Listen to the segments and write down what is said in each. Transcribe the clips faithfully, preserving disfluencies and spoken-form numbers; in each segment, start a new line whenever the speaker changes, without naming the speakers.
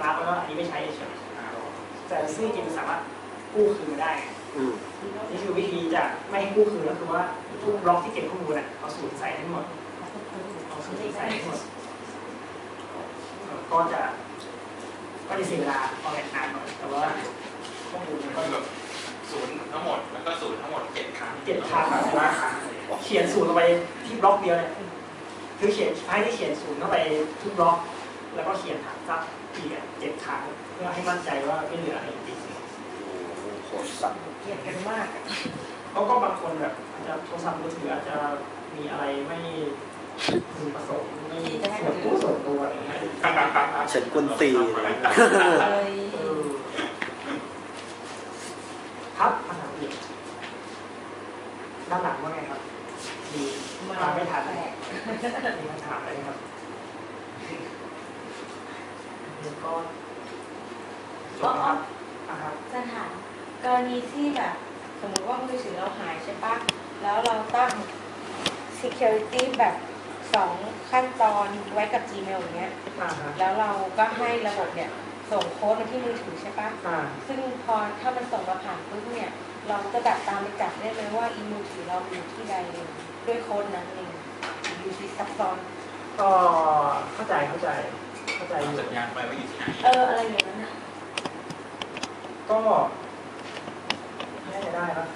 พักแล้วก็อันนี้ไม่ใช้เฉยแต่ซึ่งจริงๆสามารถกู้คืนมาได้นี่คือวิธีจะไม่ให้กู้คืนก็คือว่าทุกบล็อกที่เก็บข้อมูลอ่ะเอาสูตรใส่ทั้งหมดเอาสูตรใส่ทั้งหมดก็จะก็จะเสียเวลาพอแหลกนานหน่อยแต่ว่าข้อมูลมันก็แบบ
ศูนย์ทั้งหมดแล้วก็ศูนย์ทั้งหมดเจ็ดครั้ง
เจ็ดครั้งแต่ว่าเขียนศูนย์ลงไปที่บล็อกเดียวเนี่ยคือเขียนให้ที่เขียนศูนย์เข้าไปทุกบล็อกแล้วก็เขียนถามซับอีกเจ็ดครั้งเพื่อให้มั่นใจว่าไม่เหลืออะไรจริง
ๆโคตรสั่ง
เขียนกันมากเขาก็บางคนแบบอาจจะโทรศัพท์มือถืออาจจะมีอะไรไม่พึงประสงค์ไม่ส่วนตัวส่วนตัวอะไรเงี้ย
ฉันกุนตี
ครับภาษาอังกฤษด้านหลังว่าไงครับดีมาไม่ทันมีคำถามอะไรครับก็
ก็จะถามกรณีที่แบบสมมติว่ามือถือเราหายใช่ปะแล้วเราตั้ง security แบบสองขั้นตอนไว้กับ Gmail อย่างเงี้ยแล้วเราก็ให้ระบบเนี่ยส่งโค้ดมาที่มือถือใช่ปะซึ่งพอถ้ามันส่งมาผ่านปุ๊บเนี่ยเราจะแบบตามไปจับได้เลยว่าอีมือถือเราอยู่ที่ใดด้วยโค้ดนั้นเองอยู่ที่ซับซ้อน
ก็เข้าใจเข้าใจเข้าใจ
สัญญาณไปว่าอยู่ที่ไหน
เอออะไรอย่างนั้นอ่ะ
ก็น่าจะได้ครับ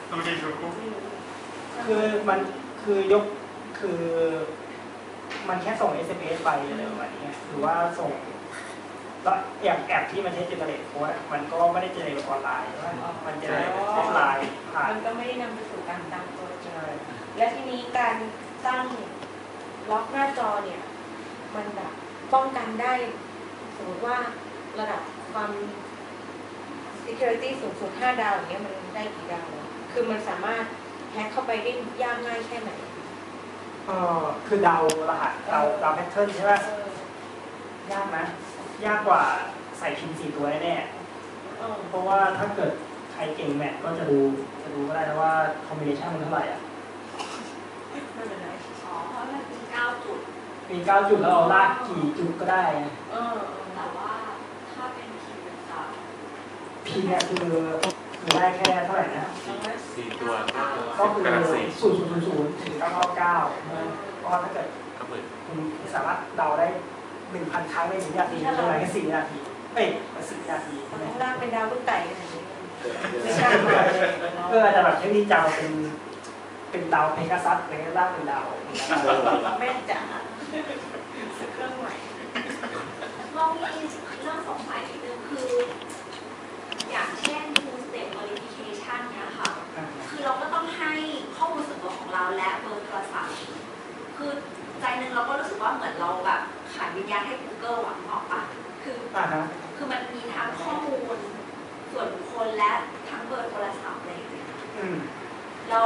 คือมันคือยกคือมันแค่ส่ง เอส เอ็ม เอส ไปอะไรประมาณนี้หรือว่าส่งแล้วอย่างแอปที่มันใช้เจเนเรตโค้ดมันก็ไม่ได้เจเนเรตออนไลน์มันเจเนเรตออฟไลน์
มันก็ไม่ได้นำไปสู่การตั้งตัวใช่และทีนี้การตั้งล็อกหน้าจอเนี่ยมันแบบป้องกันได้สมมติว่าระดับความ security สูงสุดห้าดาวอย่างเงี้ยมันได้กี่ดาวคือมันสามารถแฮกเข้าไปได้ยากง่ายแค่ไหน
เออคือเดารหัสเดาเดาแพทเทิร์นใช่ไหมยากนะยากกว่าใส่พิมพ์สี่ตัวแน่ๆเพราะว่าถ้าเกิดใครเก่งแมทก็จะดูจะดูก็ได้นะว่าคอมบิเนชันมันเท่าไหร่อ่ะ
ไม่เป็นไร
อ๋อเพราะมันมีเก้าจุด
มีเก้าจุดแล้วเราลากกี่จุดก็ได้
เออแต่ว่าถ้าเป็นพิมพ์ต่าง
พิมพ์เนี่ยคือคือได้แค่เท่าไหร่นะ
สี่ตัว
ก็คือศูนย์ศูนย์ศูนย์ถึงเก้าเก้าเก้าก็ถ้าเกิดคุณสามารถเดาได้หนึ่งพันครั้งในหนึ่งนาทีใช่ไหมแค่สี่นาทีเอ้ยสิบนาที
ข้างล่างเป็นดาวลูกไก่อะไรอย่างเงี้ย
ไม่ใช่เพื่อจะแบบเทคนิคจำเป็นเป็นดาวเพกาซัสอะไรล่างเป็นดาว
แม่จ๋าเครื่องใหม่
เรามีเรื่องสงสัยนิดนึงคืออย่างเช่น two step verification เนี่ยค่ะคือเราก็ต้องให้ข้อมูลส่วนตัวของเราและเบอร์โทรศัพท์คือใจนึงเราก็รู้สึกว่าเหมือนเราแบบขายวิญญาณให้ Google หวังออกปะคือคือมันมีทั้งข้อมูลส่วนบุคคลและทั้งเบอร์โทรศัพท์อะไรอย่างเงี้ยแล้ว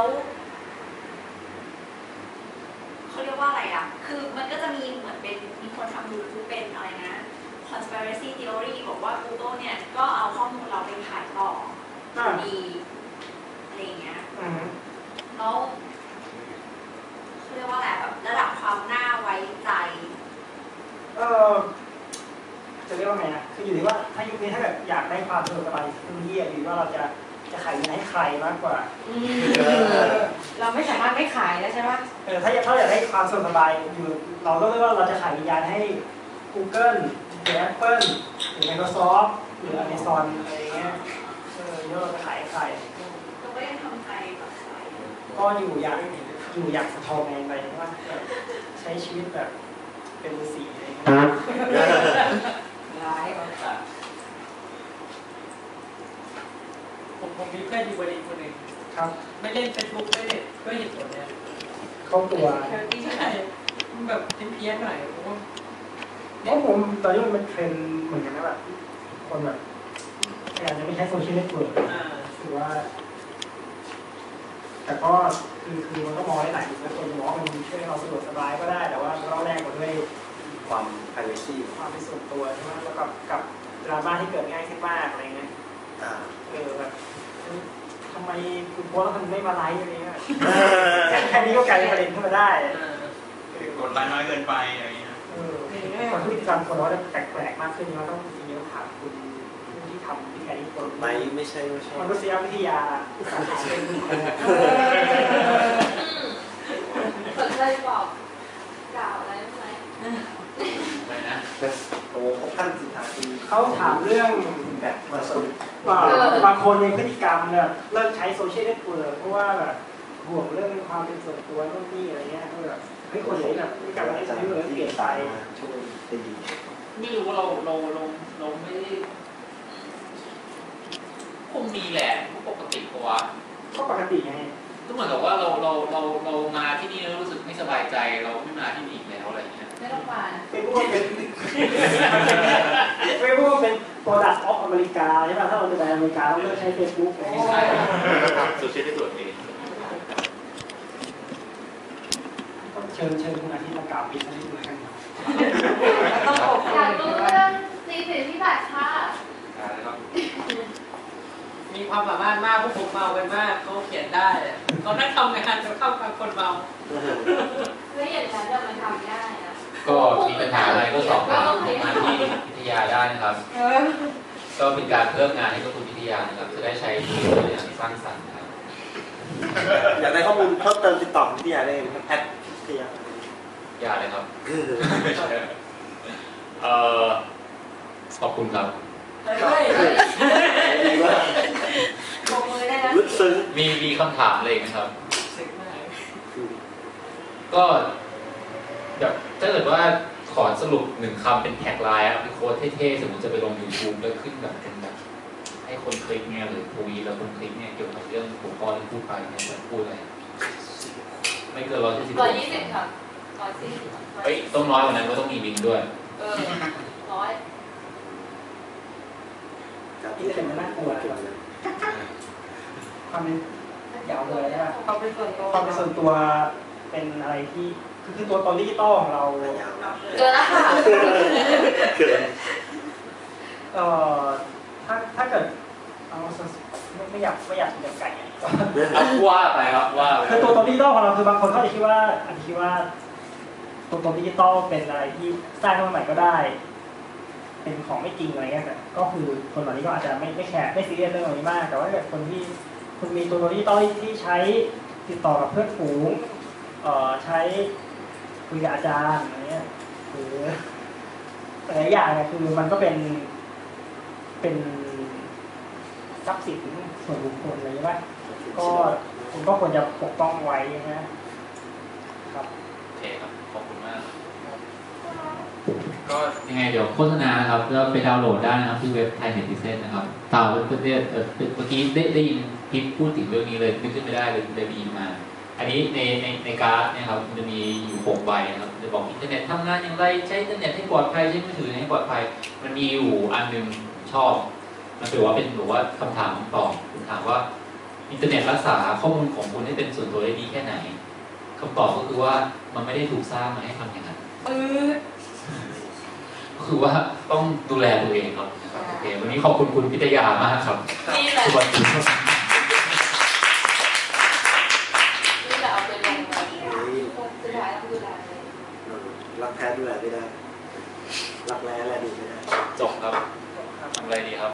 เขาเรียกว่าอะไรอ่ะคือมันก็จะมีเหมือนเป็นมีคนทำยูทูบเป็นอะไรนะ conspiracy theory บอกว่า Google เนี่ยก็เอาข้อมูลเราไปขายต่อดีอะไรอย่างเงี้ยแล้วเขาเรียกว่าอะไรแบบระดับความน่าไว้ใจ
เออจะเรียกว่าไงนะคืออยู่ที่ว่าถ้ายุคนี้ถ้าแบบอยากได้ความสะดวกสบายคือที่อยู่ว่าเราจะจะขายให้ใครมากกว่า
เราไม่สามารถไม่ขายแล้วใช่ไหม
เออถ้าถ้าอยากได้ความสะดวกสบายอยู่เราต้องเรียกว่าเราจะขายวิญญาณให้ Google หรือ Apple หรือ Microsoft หรือ Amazon อะไรเงี้ยเออแล้วเราจะขายใคร
เราไม่ได้ทำใจแบบ
ก็อยู่อย่างอยู่อย่างสะทองไงไปว่าใช้ชีวิตแบบเป็นฤาษีอะไรเงี้ย
ร้าย
ผมผมมีเพื่อนอยู่บริษัทคนหนึ่ง
ครับ
ไม่เล่นเฟซบุ๊กไม่เล่นก็เหตุผลเนี่ย
เข้าตัว
ที่ใช่มันแบบเพี้ยนๆหน่อยผมว่า
เพราะผมตอนนี้มันเป็นเทรนด์เหมือนกันนะแบบคนแบบอาจจะไม่ใช้โซเชียลเน็ตเวิร์กหรือว่าแต่ก็คือคือมันก็มองได้หลายมุมนะคนมองมันช่วยให้เราสะดวกสบายก็ได้แต่ว่าเราแลกมาด้วย
ความ privacy
ความเป็นส่วนตัวใช่ไหมแล้วกับกับดราม่าที่เกิดง่ายขึ้นมากอะไรเงี้ยเออแบบทำไมคุณโพสแล้วมันไม่มาไลค์อะไรเงี้ยแค่นี้ก็กลายเป็นประเด็นขึ้นมาได้
กดไลค์น้อยเกินไปอะไรเงี้ย
เออคนที่กรรมคนเราจะแปลกๆมากขึ้นเราต้องจริงๆถามคุณที่ทำวิทยานิพนธ์
ไม่ไม่ใช่ไม่ใช่
มนุษยวิทยาสาขาเป็นคุณครู
สนใจบอกกล่าวอะไรไหม
ไปนะ
โอ้เขาขั้นสินค้าคือ
เขาถามเรื่อง
แบบมาสรุป
ว่าบางคนในพฤติกรรมเนี่ยเลิกใช้โซเชียลเน็ตเวิร์กเพราะว่าแบบห่วงเรื่องความเป็นส่วนตัวโน่นนี่อะไรเงี้ยก็แบบเฮ้ยคนไหนแบบพฤติกรรมอะไรที่เปลี่ยนไป
ช่วยได้ดี
ไม่รู้ว่าเราเราเราเราไม่ได้คงมีแหละปกติกว่า
ก็ปกติไง
ก็เหมือนกับว่าเราเราเราเรามาที่นี่แล้วรู้สึกไม่สบายใจเราไม่มาที่นี่อีกแล้วอะไรเงี้ย
ไม่ต้องมา
เป็นพวกเป็นเป็นพวกเป็น product of อเมริกาใช่ป่ะถ้าเราจะไปอเมริกาเราเลิกใช้ Facebook อะไร
ไม่
เงี้ย
ใช่
โซเชียลได้ตรวจเอง
เชิญเชิญคุณอาทิตย์มากล่าวปิดให้ดูกัน
ต้องอบ
อยากรู้เรื่องซีสิทธิบัตรค่ะ
อะไรครับ
มีความสามารถมากพวกผมเมากันมากเขาเขียนได้เขานั่งทำงานจะเข้ากับคนเมา
แล้วอย่างนั้นจะมาทำได้อะ
ก็มีปัญหาอะไรก็สอบถามมาที่วิทยาได้นะครับ
เออ
ก็เป็นการเพิ่มงานให้กับคุณวิทยานะครับ จะได้ใช้ชีวิตอย่างสร้างสรรค์ครับ
อยากได้ข้อมูลเพิ่มเติมติดต่อวิทยาได้ไหมครับแอดวิทยา
อย่าเลยครับ เอ่อขอบคุณครับ
เฮ้ย
ดีมาก
ปรบมือได้แล้ว
ลึกซึ้ง
มีมีคำถามอะไรอีกไหมครับ
สึกมาก
ก็แบบถ้าเกิดว่าขอสรุปหนึ่งคำเป็นแท็กไลน์อะเป็นโค้ดเท่ๆสมมติจะไปลง YouTube แล้วขึ้นแบบเป็นแบบให้คนคลิกเนี่ยหรือคุยแล้วคนคลิกเนี่ยเกี่ยวกับเรื่องหัวข้อที่พูดไปเนี่ยจะพูดอะไรไม่เกินร้อยยี่สิบ
ร้อยยี่สิบค่ะร้อยสี่สิบ
เฮ้ยต้องน้อยกว่านั้นก็ต้องมีลิงก์ด้วย
เออร้อย
นี่เป็นมันน่ากลัวความเป็นยาวเลยใช่ป่ะ
ความเป็นส่วนตัว
ความเป็นส่วนตัวเป็นอะไรที่คือคือตัวตนดิจิตอลของเรา
ยาวนะ
เจอแล้วค่ะ
เกิน
เอ่อถ้าถ้าเกิดเอาไม่ไม่อยากไม่อยากเป็นไก่อะ
เอาว่าไปครับว่าไป
คือตัวตนดิจิตอลของเราคือบางคนเขาจะคิดว่าอาจจะคิดว่าตัวตนดิจิตอลเป็นอะไรที่สร้างขึ้นมาใหม่ก็ได้ เป็นของไม่จริงอะไรเงี้ยแต่ก็คือคนเหล่านี้ก็อาจจะไม่ไม่แคร์ไม่ซีเรียสเรื่องเหล่านี้มากแต่ว่าถ้าเกิดคนที่คุณมีตัวตนดิจิตอลที่ใช้ติดต่อกับเพื่อนฝูงเอ่อใช้คุยกับอาจารย์อะไรเงี้ยหรือหลายอย่างเนี่ยคือมันก็เป็นเป็นทรัพย์สินส่วนบุคคลอะไรใช่ไหมก็คุณก็ควรจะปกป้องไว้นะครับ
โอเคครับขอบคุณมากก็ยังไงเดี๋ยวโฆษณานะครับก็ไปดาวน์โหลดได้นะครับที่เว็บไทยเน็ตดิเซนนะครับตามเพื่อนๆเอ่อเมื่อกี้ได้ได้ยินพิพพูดถึงเรื่องนี้เลยนึกขึ้นไม่ได้เลยเลยไปยินมา อันนี้ในในในการ์ดนะครับมันจะมีอยู่หกใบนะครับจะบอกอินเทอร์เน็ตทำงานอย่างไรใช้อินเทอร์เน็ตให้ปลอดภัยใช้มือถือให้ปลอดภัยมันมีอยู่อันหนึ่งชอบมันถือว่าเป็นหรือว่าคำถามตอบคุณถามว่าอินเทอร์เน็ตรักษาข้อมูลของคุณให้เป็นส่วนตัวได้ดีแค่ไหนคำตอบก็คือว่ามันไม่ได้ถูกสร้างมาให้ทำอย่างนั้น
เออ
ก็คือว่าต้องดูแลตัวเองครับนะครับโอเควันนี้ขอบคุณคุณพิทยามากครับ
นี่แหละ
สวัสดีครับ
นี่แหละเอาไปลงมาสุดท้ายต้องดูแลเลย
รักแท้ดูแลไม่ได้ รักแร้แลดูไม่ได้
จบครับทำอะไรดีครับ